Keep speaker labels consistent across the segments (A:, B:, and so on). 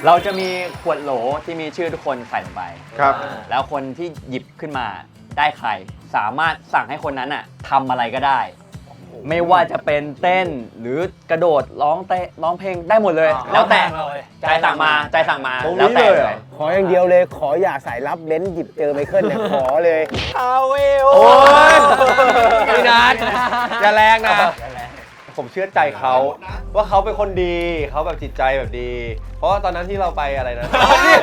A: เราจะมีขวดโหลที่มีชื่อทุกคนใส่ลงไป
B: ครับ
A: แล้วคนที่หยิบขึ้นมาได้ใครสามารถสั่งให้คนนั้นอะทำอะไรก็ได้ไม่ว่าจะเป็นเต้นหรือกระโดดร้องเพลงได้หมดเลยแล้วแต่ใจสั่งมาแล้วแต่เลย
C: ขออย่างเดียวเลยขออย่าสายลับเบ้นหยิบเจอไมเคิลเนี่ยขอเลยเอาเวล
B: โอ้ยพี่นัทอย่าแรงนะผมเชื่อใจเขาว่าเขาเป็นคนดีเขาแบบจิตใจแบบดี เพราะว่าตอนนั้นที่เราไปอะไรนะ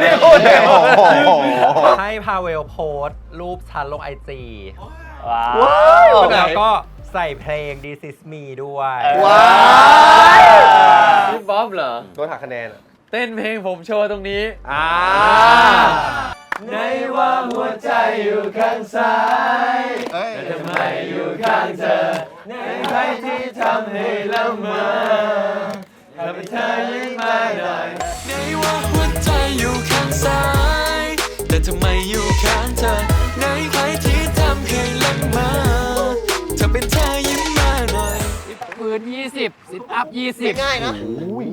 D: ให้พาเวลโพสต์รูปฉันลง IG
A: ว้าว
D: แล้วก็ใส่เพลง This Is Me ด้วย
B: ว้าว
E: พี่บ๊อบเหรอ
B: โดนหักคะแนนอ่ะ
E: เต้นเพลงผมโชว์ตรงนี้
B: ในว่าหัวใจอยู่ข้างซ้ายแต่ทำไมอยู่ข้างเธอในใครที่ทำให้ละเมอถ้าเป็นเธอยิ่งมาหน่อย
F: ในว่าหัวใจอยู่ข้างซ้ายแต่ทำไมอยู่ข้างเธอในใครที่ทำให้ละเมอถ้าเป็นเธอยิ้มมาหน่อย
E: ปืน20ซิทอัพ20
B: ง่ายนะ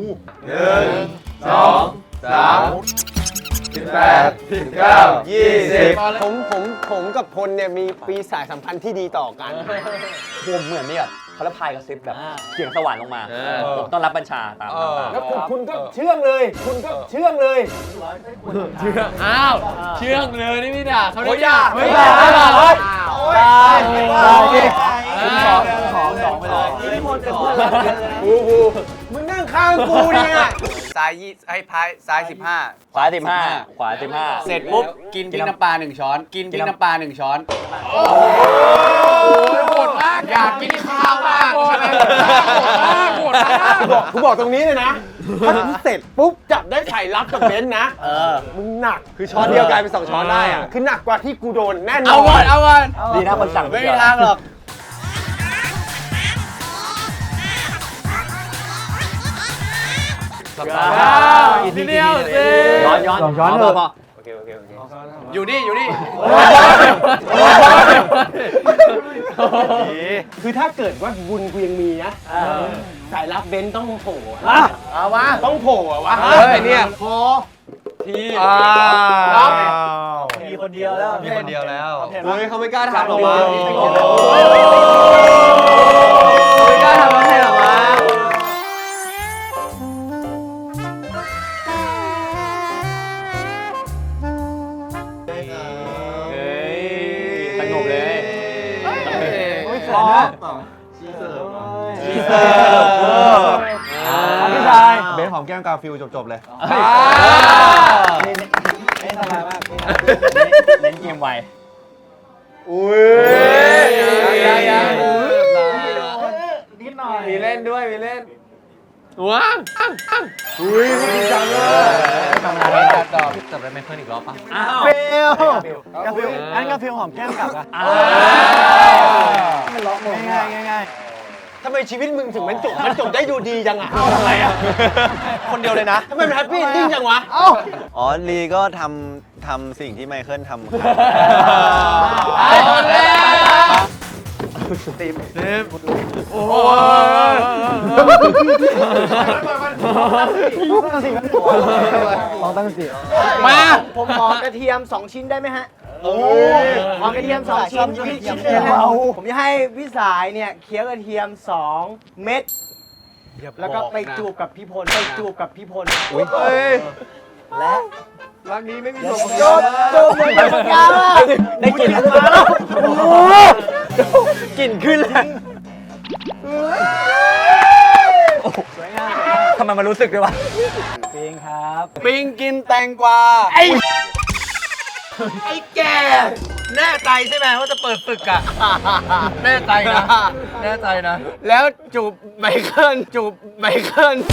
B: 1 2 3 18 19 20
C: ผมกับพลเนี่ยมีปีสายสัมพันธ์ที่ดีต่อกัน
A: ผมเหมือนนี่แบบเขาละพายกระซิบแบบเสียงสวรรค์ลงมาผมต้องรับบัญชาตาม
C: แล้วคุณก็เชื่องเลย คุณก็เชื่องเลย
E: อ้าวเชื่องเลยนี่พี่ด่าเขาได้ด่า
C: ไม่ด่าไม่ด่าเฮ้ย
A: สองไปเลย
C: มึงนั่งข้างกูเนี่ย
G: ซ้ายให้พายซ้าย15
A: ขวา15ขวา15
G: เสร็จปุ๊บกินพริกน้ำปลา1 ช้อนกินพริกน้ำปลา1 ช้อน
E: โหดมากอยากกินข้าวมากใช่ไหมโหดมาก
C: กูบอกตรงนี้เลยนะถ้ากูเสร็จปุ๊บจับได้ไข่ลับกับเบนซ์นะมึงหนัก
B: คือช้อนเดียวกลายเป็น2 ช้อนได้อ่ะ
C: คือหนักกว่าที่กูโดนแน่นอน
G: เอาก่อนเอาก่อน
A: ดีนะคนสั่ง
G: ไม่มีทางหรอก
E: ทีเดียวสิ
A: ย้อนพอ
G: อยู่นี่อยู่นี่
C: คือถ้าเกิดว่าบุญกูยังมีนะสายลับเบนซ์ต้องโผล่
G: เอาวะ
C: ต้องโผล่อะวะ
B: เฮ้ยเนี่ย
C: พอ
A: มีคนเดียวแล้ว
D: มีคนเดียวแล้ว
B: เฮ้ยเขาไม่กล้าทำหรอกมั้ง
E: ไม่กล้าทำอะไรหรอวะ
A: สงบเลย
B: พี่ชายเบนหอมแก้มกาฟิลจบเลย
A: เล่นเกมไว
B: อุ้ยมีเล่นด้วยมีเล่น
E: ว้าว
B: อุ้ยจริงจังเลย
D: จับได้ไมเคิลอีกรอบปะ
A: อ้าว
C: เฟลกาฟิลอันกาฟิลหอมแก้มกลับอะง่ายทำไมชีวิตมึงถึงมันจบได้ดูดีจังอะอะไรอะ
B: คนเดียวเลยนะ
C: ทำไมมันแฮปปี้เอนดิ้งจังวะ
H: อ๋อลีก็ทำสิ่งที่ไมเคิลทำครับ
E: เอาแล้ว
D: โอ้โห
E: มา
C: ผมขอกระเทียม2 ชิ้นได้ไหมฮะขอกระเทียม2 ชิ้นพี่ชิ้นเลยนะผมจะให้พี่สายเนี่ยเคี้ยวกระเทียม2 เม็ดแล้วก็ไปจูบกับพี่พลและรักนี้ไม่มีส่วนจูบเหมือนกันได้กลิ่นมาแล้วกลิ่นขึ้นเลย
A: ทำไมมันรู้สึกด้วยวะ
G: ปิงกินแตงกวา
D: ไอ้แกแน่ใจใช่ไหมว่าจะเปิดศึกอะแน่ใจนะแน่ใจนะ
G: แล้วจูบไมเคิลจูบไมเคิล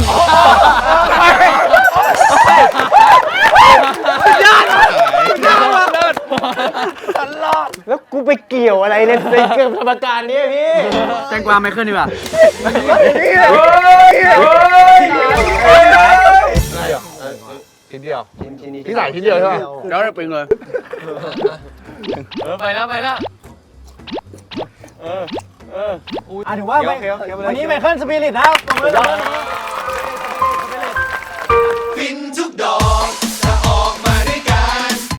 C: แล้วกูไปเกี่ยวอะไรในเกิดธรรมการนี้พี่
G: แตงกวาไมเคิลดีกว่า
B: ชิ้นเดียวพี่สายชิ้นเดียวใช่ไหม
G: แล้วเราปิงเลย
E: ไปแล้ว
C: ถือว่าวันนี้ไมเคิลสปิริตนะครับ